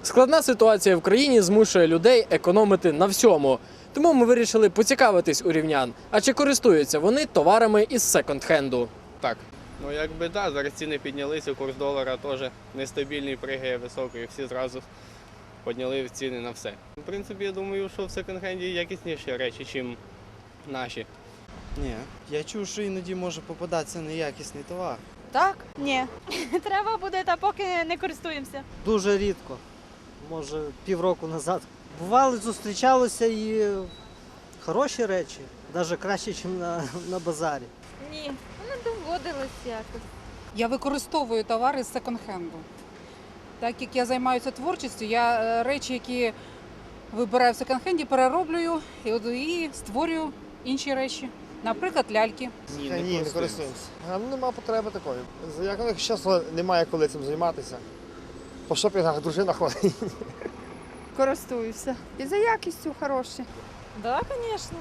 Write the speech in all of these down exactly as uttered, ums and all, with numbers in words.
Складна ситуація в країні змушує людей економити на всьому. Тому ми вирішили поцікавитись у рівнян, а чи користуються вони товарами із секонд-хенду. Так. Ну якби так, да, зараз ціни піднялися, курс долара теж нестабільний, пригає високий, всі зразу підняли ціни на все. В принципі, я думаю, що в секонд-хенді якісніші речі, ніж наші. Ні, я чув, що іноді може попадатися неякісний товар. Так? Ні. Треба буде, та поки не користуємося. Дуже рідко, може півроку назад. Бували, зустрічалися і хороші речі, навіть краще, ніж на, на базарі. Ні, не доводилось якось. Я використовую товари з секонд-хенду. Так як я займаюся творчістю, я е, речі, які вибираю в секонд-хенді, перероблюю і, от- і створюю інші речі. Наприклад, ляльки. Ні, Ні, не користуємося. А, ну, нема потреби такої. Як ну, чесно, немає коли цим займатися. По шопінгах дружина ходить. Користуюся. І за якістю хороші. Так, звісно.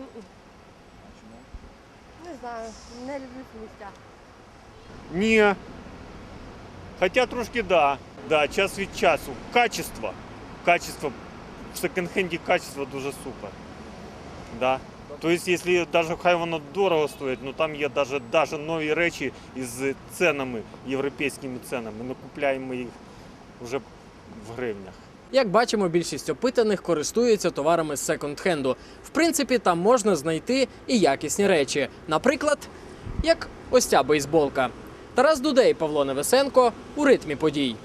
Не знаю, не люблю сміття. Ні. Хоча трошки да. Да, час від часу. Качество. Качество. В секонд-хенді качество дуже супер. Да. Тобто, якщо навіть хай воно дорого стоїть, ну там є навіть, навіть нові речі із ценами, європейськими ценами. Ми купуємо їх вже в гривнях. Як бачимо, більшість опитаних користуються товарами з секонд-хенду. В принципі, там можна знайти і якісні речі. Наприклад, як ось ця бейсболка. Тарас Дудей, Павло Невесенко у ритмі подій.